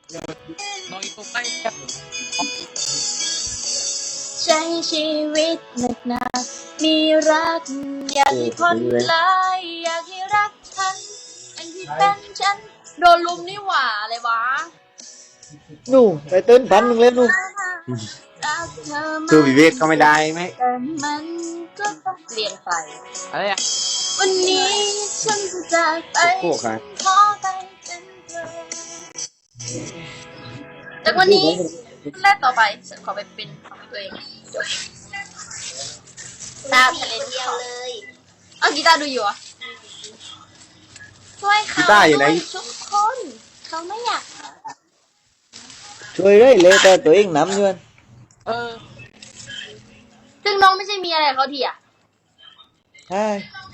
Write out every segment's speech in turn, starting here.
น้องอีกตัวใกล้เนี่ยใช้ชีวิตหนักหนามีรักอยากให้คนลายอยากให้รักฉันอันที่เป็นฉันโดนลุมนี่หว่าอะไรวะนู่ไปเต้นพันหนึ่งเลยนู่คือวิเวกก็ไม่ได้ไหมแต่มันก็ต้องเปลี่ยนไปอะไรอ่ะวันนี้ฉันจะจากไปโค้ค่ะขอไปเป็นเธอจากวันนี้แรกต่อไปฉันขอไปเป็นของตัวเองจบตามทะเลเที่ยวเลยเอากีตาร์ดูอยู่อ่ะช่วยเขาด้วยทุกคนเขาไม่อยากช่วยได้เลยแต่ตัวเองน้ำเงินเออซึ่งน้องไม่ใช่มีอะไรเขาทีอ่ะใช่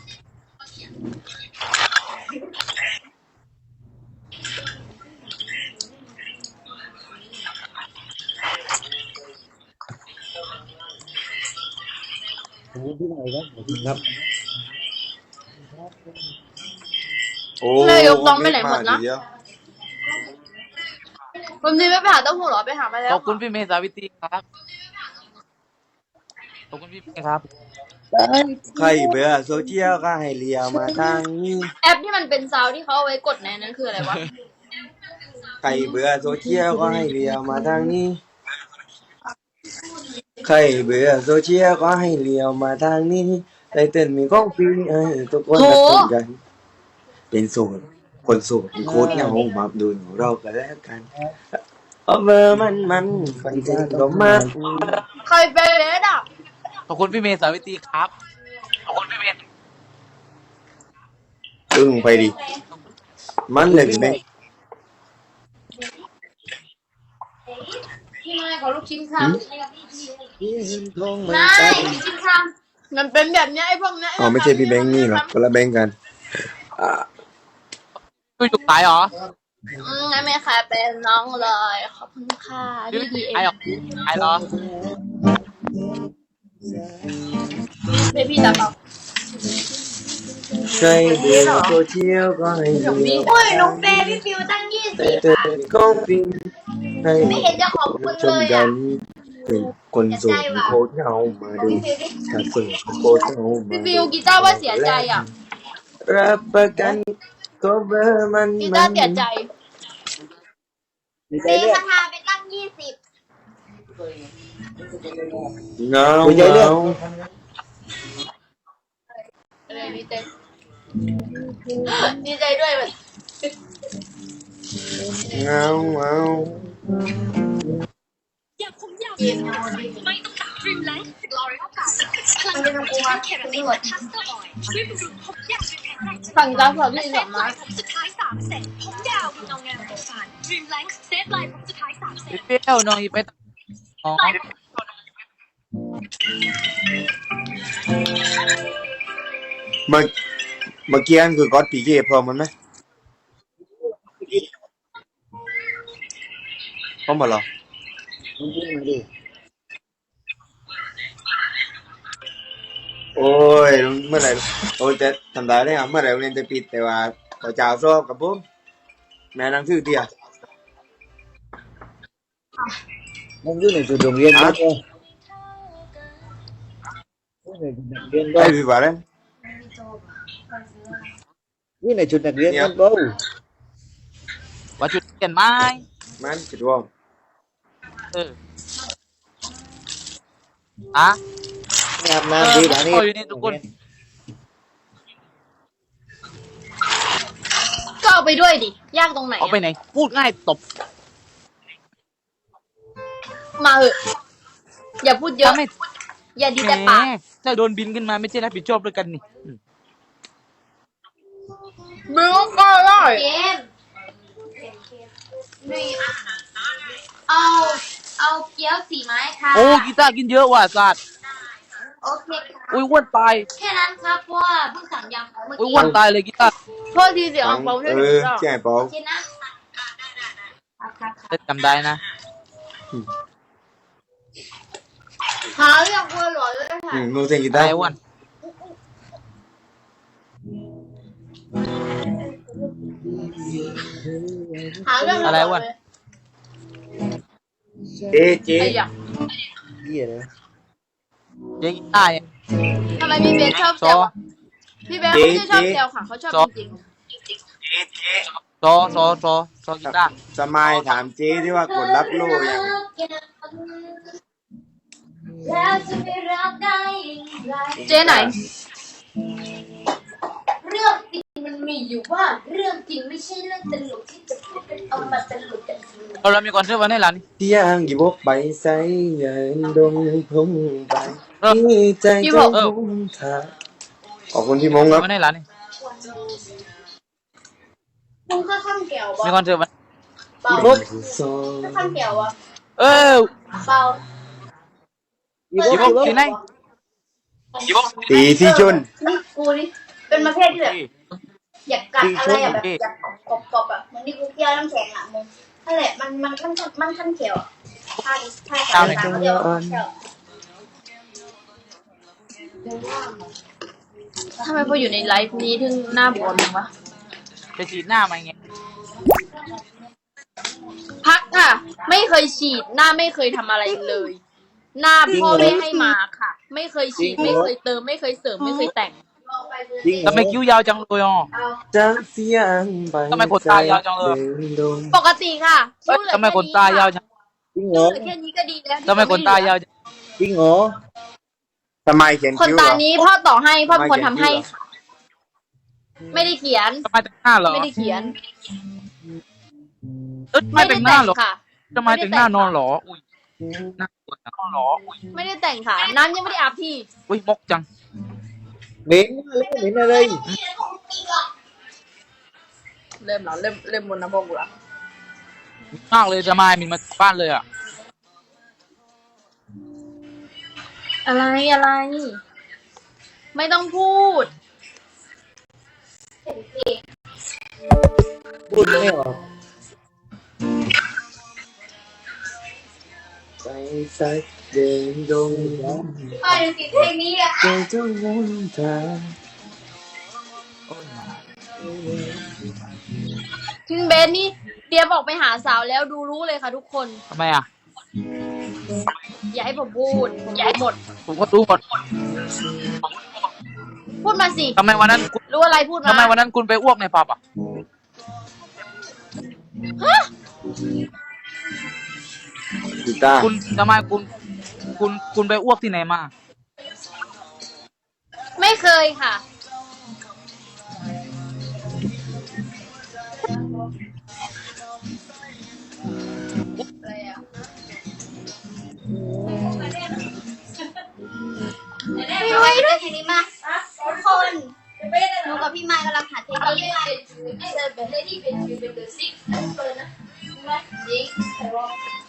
ครับโอ้เลยยกน้องไปไหนหมดนะวันนี้ไม่ไปหาเต้าหู้หรอไปหามาแล้วขอบคุณพี่เมย์สาวิตรีครับขอบคุณพี่เมย์ครับใครเบื่อโซเชียลก็ให้เลียมาทางนี้แอปที่มันเป็นซาวที่เขาเอาไว้กดในนั้นคืออะไรวะใครเบื่อโซเชียลก็ให้เลียมาทางนี้ใครเบื่อโซเชียลก็ให้เลียวมาทางนี้ไตเติ้ลมีของฟรีให้ทุกคนรักกันเป็นโสดคนโสดโคตรเหงามาดูเรากันแล้วกันเอาเบอร์มันคนใจก็มากใครเป็นเลสอ่ะขอบคุณพี่เมย์สาวิตรีครับขอบคุณพี่เมย์ตึงไปดิมันเลยพี่แม่พี่นายขอลูกชิ้นค่ะนายลูกชิ้นค่ะมันเป็นแบบนี้ไอ้พวกนี้อ๋อไม่ใช่พี่แบงค์นี่หรอกคนละแบงค์กันพี่จุกตายเหรองั้นไม่ค่ะเป็นน้องเลยขอบคุณค่ะพี่ตายเหรอตายเหรอเป็นพี่ตาเปล่าใครเบื่อโซเชียลก็ให้เลียวโอ้ยน้องเบบี้ฟิวตั้ง20 เติมของฟรีให้ไม่เห็นจะขอบคุณเลยอ่ะเป็นคนโสดโคตรเหงามาดูถ้าโสดโคตรเหงามาพี่ฟิวกีตาร์ว่าเสียใจอ่ะรับประกันก็เบอร์มันกีตาร์เสียใจดีใจเรื่องคาถาไปตั้ง20 เงาดีใจเรื่องดีใจด้วยแบบเงาอยากผมยาวไม่ต้องตัดริมแลงลอเรลกับพลังงานจากเคราตินและคัสเตอร์ออยล์ช่วยบำรุงผมยาวจนแข็งแรงสั่งจ้าสอบที่สองมาผมสุดท้าย3 เซตผมยาวเงางามกับฟันริมแลงเซฟไลน์ผมสุดท้าย3 เซตพี่เปรี้ยวน้องอีไปอ๋อเมื่อกี้นั่นคือก๊อตปีเก้พร้อมมันไหมพร้อมหมดหรอโอ้ยเมื่อไหร่โอ้ยจะทำได้ได้ครับเมื่อไหร่เรียนจะปิดแต่ว่าขอจ่าสอบกับผมแม่นังชื่อเตี้ยมันอยู่ในจุดโรงเรียนครับไอ้พี่ว่าเล่นอยู่ในจุดนักเรียนกันเปล่าว่าจุดเปลี่ยนไหมมันจุดร่วงอ่ะไม่อาบน้ำดีกว่านี้อยู่นี่ทุกคนก็เอาไปด้วยดิยากตรงไหนเอาไปไหนพูดง่ายตบมาเหอะอย่าพูดเยอะอย่าดีแต่ปากถ้าโดนบินขึ้นมาไม่ใช่รับผิดชอบด้วยกันนี่มึงก็ได้เกมเอาเกี๊ยว4 ไม้ค่ะโอ้กีตาร์กินเยอะว่ะสัตว์โอเคอุ้ยอ้วนตายแค่นั้นครับเพราะว่าเพิ่งสั่งยำเมื่ออุ้ยกี้อ้วนตายเลยกีตาร์โทษทีเสียงเปาใช่ไหมใช่เปาคิดนะจำได้นะหาเรื่องกลัวหลอนเลยค่ะนูเซนกีตาร์ไอ้อ้วนหาเรื่องอะไรอ้วนเจ๊เจ๊ไอ้ยะเหี้ยนะเจ๊กีตาร์เนี่ยทำไมพี่เบสชอบซแซอวอะพี่เบสไม่ใช่ชอบแซวค่ะเขาชอบจริงซอกีตาร์สมายถามเจ๊ที่ว่ากดรับโล่ยังแล้วจะไม่รักได้อย่างไรเจ๊ไหน เรื่องจริงมันมีอยู่ว่าเรื่องจริงไม่ใช่เรื่องตลกที่จะพูดกันเอามาตลกกันทีเรามีคอนเสิร์ตวันไหนล่ะนี่ที่ยังอยู่บกไปใส่เงินดงพุ่งไปที่ใจใจพุ่งทาขอบคุณพี่มงครับวันไหนล่ะนี่มึงค่าข้ามแก้วมีบ่คอนเสิร์ตวันเปล่าอีบุ๊กค่าข้ามแก้วอ่ะเออเปล่าอีบุ๊กอีบุ๊กที่ไหนตีที่ชนนี่กูนี่เป็นประเภทที่แบบอยากกัดอะไรอะแบบอยากกรอบๆอะเหมือนที่กูเคี่ยวน้ำแข็งอะมึงนั่นแหละมันขั้นเขียวอะถ้าสายตาเขาเรียกว่าขั้นเขียวทำไมพออยู่ในไลฟ์นี้ถึงหน้าบวมจังวะไปฉีดหน้ามาไงพักค่ะ ไม่เคยฉีดหน้าไม่เคยทำอะไรเลย หน้าพ่อไม่ให้มาค่ะ ไม่เคยฉีดไม่เคยเติมไม่เคยเสริมไม่เคยแต่งจริงเหรทำไมคิ้วยาวจังเลยอ่ะจังเสียงไปทำไมขนตายาวจังเลยดงปกติค่ะเอ้ยทำไมขนตายาวจังจริงเหรอเหลือแค่นี้ก็ดีแล้วทำไมขนตายาวจังจริงเหรอทำไมเขียนขนคิ้วตาเหรอนี้พ่อต่อให้พ่อเป็นคนทำให้ค่ะ ไม่ได้เขียนทำไมแต่งหน้าเหรอไม่ได้เขียนไม่แต่งหน้าเหรอค่ะทำไมแต่งหน้านอนเหรออุ้ยหน้าปวดนอนเหรออุ้ยไม่ได้แต่งค่ะ น้ำยังไม่ได้อาบพี่อุ้ยมกจังเหม็นแล้วเหม็นอะไรเริ่มแล้วเริ่มบนน้ำพงกูละมากเลยจะมามินมาบ้านเลยอ่ะอะไร ไม่ต้องพูดพูดไม่ออกไปใส่เดินดงไปติดเพลงนี้อ่ะใจเจ้าวุ่นทางคุณเบนนี่เตรียมออกไปหาสาวแล้วดูรู้เลยค่ะทุกคนทำไมอ่ะอย่าให้ผมพูดผมรู้หมดผมก็รู้หมดพูดมาสิทำไมวันนั้นคุณรู้อะไรพูดมาทำไมวันนั้นคุณไปอ้วกในผับอ่ะกีตาร์คุณทำไมคุณไปอ้วกที่ไหนมาไม่เคยค่ะ อะไรอ่ะพี่ไว้ด้วยทีนี้มาทุกคนหนูกับพี่ไม้กำลังหาเทคนิคเป็นที่เป็นเดอะซิกเปิดนะจริงแต่ว่า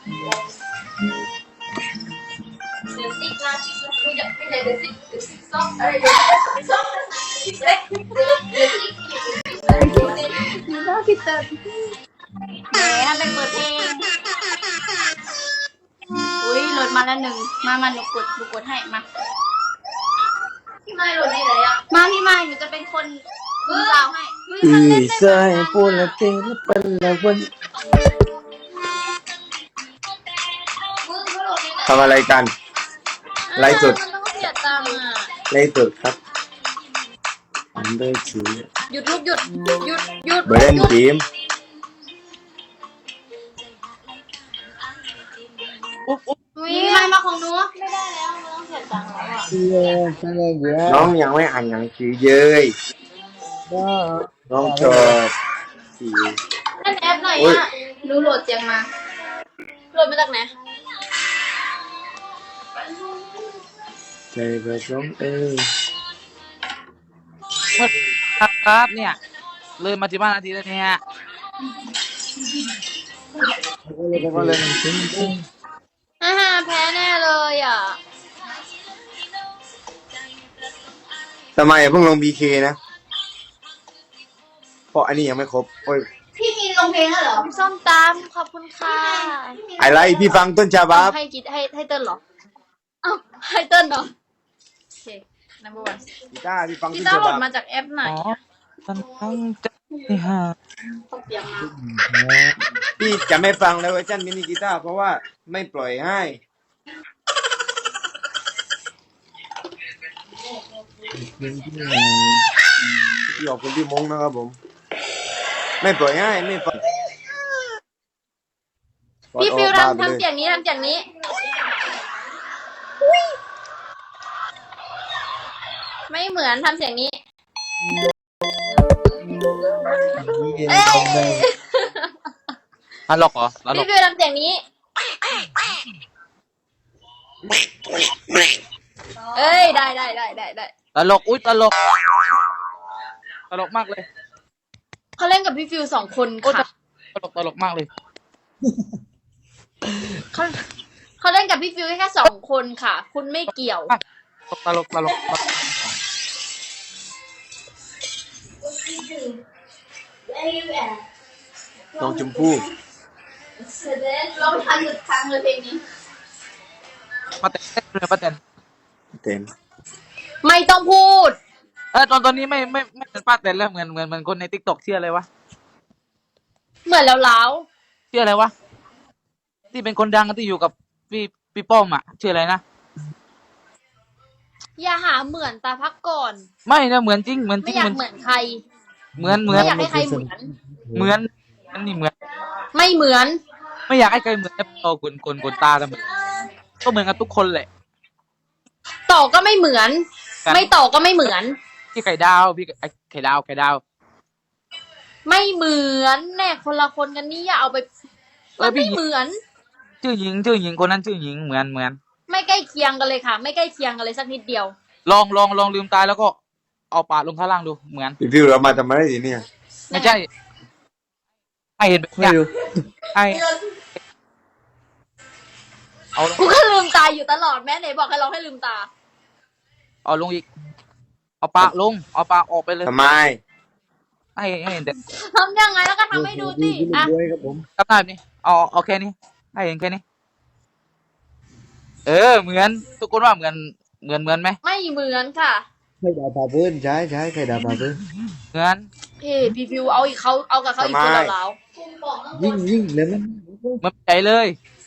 เดอะซิกนะไม่ใช่เดอะซิกซ็อกอะไรซ็อกเล็กเดอะซิกน่าคิดแต่แหมทำเป็นเปิดเพลงอุ้ยโหลดมาแล้วหนึ่งมาหนูกดให้มาพี่ไม้โหลดได้เลยอ่ะมาพี่ไม้หนูจะเป็นคนมือสาวให้อีสายพูดละเทละปันละวันทำอะไรกัน ไลฟ์สดมันต้องเสียตังค์อ่ะไลฟ์สดครับอันเดอร์คิวหยุดลูกหยุดเบรนทีมมีใครมาของหนูไม่ได้แล้วมันต้องเสียตังค์แล้วอ่ะเหี้ยอะไรเยอะน้องยังไม่อ่านหนังสือเย้ยก็น้องชอบสีเล่นแอปหน่อยอ่ะหนูโหลดเสียงมาโหลดมาจากไหนใจแบบน้องเอ้ยครับเนี่ย เลยมา15 นาทีแล้วเนี่ยก็เลยแพ้แน่เลยอ่ะทำไมเพิ่งลง BK นะเพราะอันนี้ยังไม่ครบโอ้ยพี่มีลงเพลงแล้วเหรอส้มตำขอบคุณค่ะอะไรพี่ฟังต้นฉบับให้กิดให้เติ้ลเหรอเอ้าให้เติ้ลเหรอโอเค number one กีตาร์พี่ฟังกีต้นตาฉร์โหลบัดบมาจากแอปไหนอ๋ออะตั้งใจหาตกเตียงมาพี่จะไม่ฟังแล้วเวอร์ชันมินิกีตาร์เพราะว่าไม่ปล่อยให้พี่ขอบคุณพี่มงนะครับผมไม่ปล่อยให้ไม่ฟังพี่ฟิวทำเสียงนี้ทำเสียงนี้ไม่เหมือนทำเสียงนี้เอ้ยตลกเหรอตลพี่กฟิวทำเสียงนี้เอ้ยได้ตลกอุ้ยตลกมากเลยเขาเล่นกับพี่ฟิวสองคนค่ะตลกมากเลยเขาเล่นกับพี่ฟิวแค่สองคนค่ะ คุณไม่เกี่ยวตลกน้องชมพู่เราทันทางเลยเพลงนี้ป้าแตนเลยป้าแตนเต็มไม่ต้องพูดตอนนี้ไม่เป็นป้าแตนแล้วเหมือนคนในทิกตอกชื่ออะไรวะเหมือนแล้วชื่ออะไรวะที่เป็นคนดังที่อยู่กับพี่ป้อมอ่ะชื่ออะไรนะอย่าหาเหมือนตาพักก่อนไม่นะเหมือนจริงไม่อยากเหมือนใครเหมือนไม่อยากให้ใครเหมือนอันนี้เหมือนไม่เหมือนไม่อยากให้ใครเหมือนแต่พอคนตาทำไมก็เหมือนกันทุกคนแหละต่อก็ไม่เหมือน ไม่ต่อก็ไม่เหมือนพี่ไข่ดาวพี่ไข่ดาวไม่เหมือนแน่คนละคนกันนี่อย่าเอาไปมันไม่เหมือนชื่อหญิงคนนั้นชื่อหญิงเหมือนไม่ใกล้เคียงกันเลยค่ะ ไม่ใกล้เคียงกันเลยสักนิดเดียวลองลืมตาแล้วก็เอาปากลงข้างล่างดูเหมือนพี่ฟิวเรามาทำอะไรทีเนี่ยไม่ใช่ให้เห็นแบบเนี้ยให้เอาลงกูก็ลืมตาอยู่ตลอดแม่ไหนบอกให้เราให้ลืมตาเอาลงอีกเอาปากลงเอาปากออกไปเลยทำไมให้เห็นแต่ทำยังไงแล้วก็ทำให้ดูสิอ่ะกับหน้าแบบนี้เอาแค่นี้ให้เห็นแค่นี้เหมือนทุกคนว่าเหมือนไหมไม่เหมือนค่ะใครด่าป่าเพื่อนใช่ใครด่าป่าเพื่อนเหมือนพี่ฟิวเอาอีกเขาเอากับเขาอีกคนแล้วยิ่งแล้วมันเหมือนใจเลย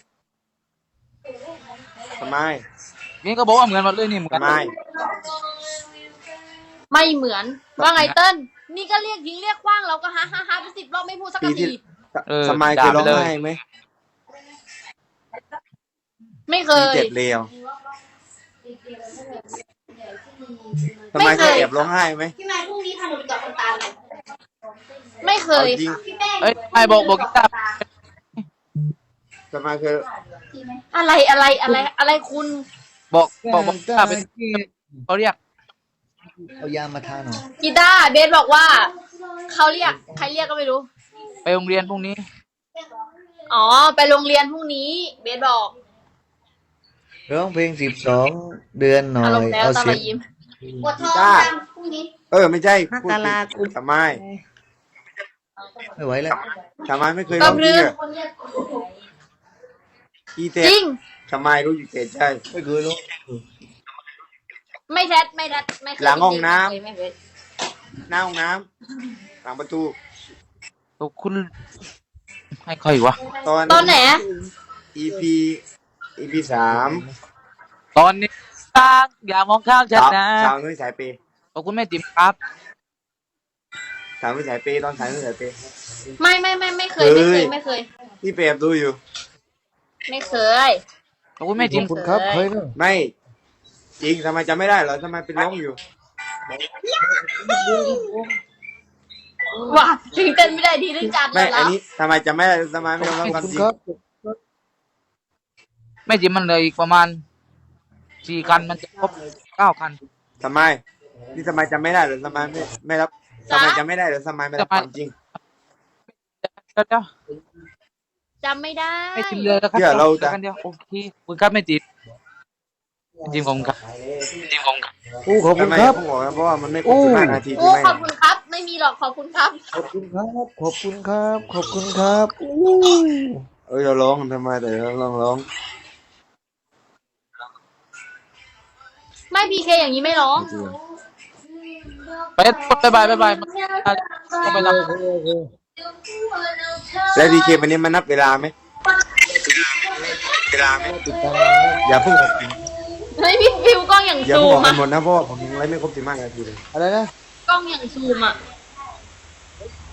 ทำไมนี่ก็บอกว่าเหมือนหมดเลยนี่เหมือนทำไมไม่เหมือนว่าไงเติ้ลนี่ก็เรียกยิงเรียกขว้างเราก็ฮ่าไป10 รอบไม่พูดสักปีที่ทีทำไมเคยร้องไห้ไหมไม่เคปียเจ็บเลวทำไมเคยแอบร้องไห้ไหมพี่แม่พรุ่งนี้พาหนูไปตรวจคนตาเลยไม่เคเอายจริงไอ้บอกกีตาร์ทำไมเคยอะไรคุณบอกกีตาร์เป็นเขาเรียกเอายามาทาหน่อยกีตาร์เบสบอกว่าเขาเรียกใครเรียกก็ไม่รู้ไปโรงเรียนพรุ่งนี้อ๋อไปโรงเรียนพรุ่งนี้เบสบอกร้องเพลง12 เดือนหน่ออารมยณ์แล้วเอาตาเสีมายงยิ้มปวดท้องพรุ่งนี้ไม่ใช่พูดผิดทำไมไม่ไหวแล้วทำไมไม่เคยร้องจริงอะอีเต้จริงทำไมรู้อยู่เจ็ใจไม่เคยรู้ไม่แทดไม่เคยหลังห้องน้ำไม่เคยหน้าห้องน้ำหลังประตูคุณให้ใครวะตอนไหน EP 3 ตอนนี้ตาอย่ามองข้ามฉันนะสาวนุ้ยสายเปย์ขอบคุณแม่ติ๋มครับสาวนุ้ยสายเปย์ตอนสาวนุ้ยสายเปย์ไม่เคยไม่เคยที่เปย์ดูอยู่ไม่เคยขอบคุณแม่ติ๋มคุณครับเคยเนอะไม่จริงทำไมจำไม่ได้เหรอทำไมเป็นร้องอยู่ว้าถึงเต้นไม่ได้ดีเรื่องการไม่แล้อันวนี้ทำไมจำไม่ได้ทำไมไม่ยอมรับความคุณจริงครับแม่ติ๋มมันเลยอีกประมาณ4 คันมันจะครบ9 คันทำไมนี่ทำไมจำไม่ได้เหรอทำไมไม่รับทำไมจำไม่ได้เหรอทำไมไม่รับความจริงเดี๋ยวจำไม่ได้แม่ติ๋มเลยแล้วกันเดียวโอเคขอบคุณครับแม่ติ๋มขอบคุณครับโอ้ขอบคุทำณไมครับผมบอกนะเพราะว่ามันไม่ครบ15 นาทีโอ้ที่ไม่ขอบคุณครับ ไม่มีหรอกขอบคุณครับขอบคุณครับ ขอบคุณครับ ขอบคุณครับอู้เราร้องทำไมแต่เราร้องไม่พีเคอย่างนี้ไม่ร้องไปบายต้องไปรับโอเคแล้วดีเควันนี้มันนับเวลาไหมติดตามอย่าเพิ่งออกเฮ้ยพี่ฟิวกล้องอย่างอย่าซูเพิ่งออกมไปอะหมดนะเพราะว่าผมยังไลฟ์ไม่ครบ15 นาทีเลยอะไรนะกล้องอย่างซูมอะ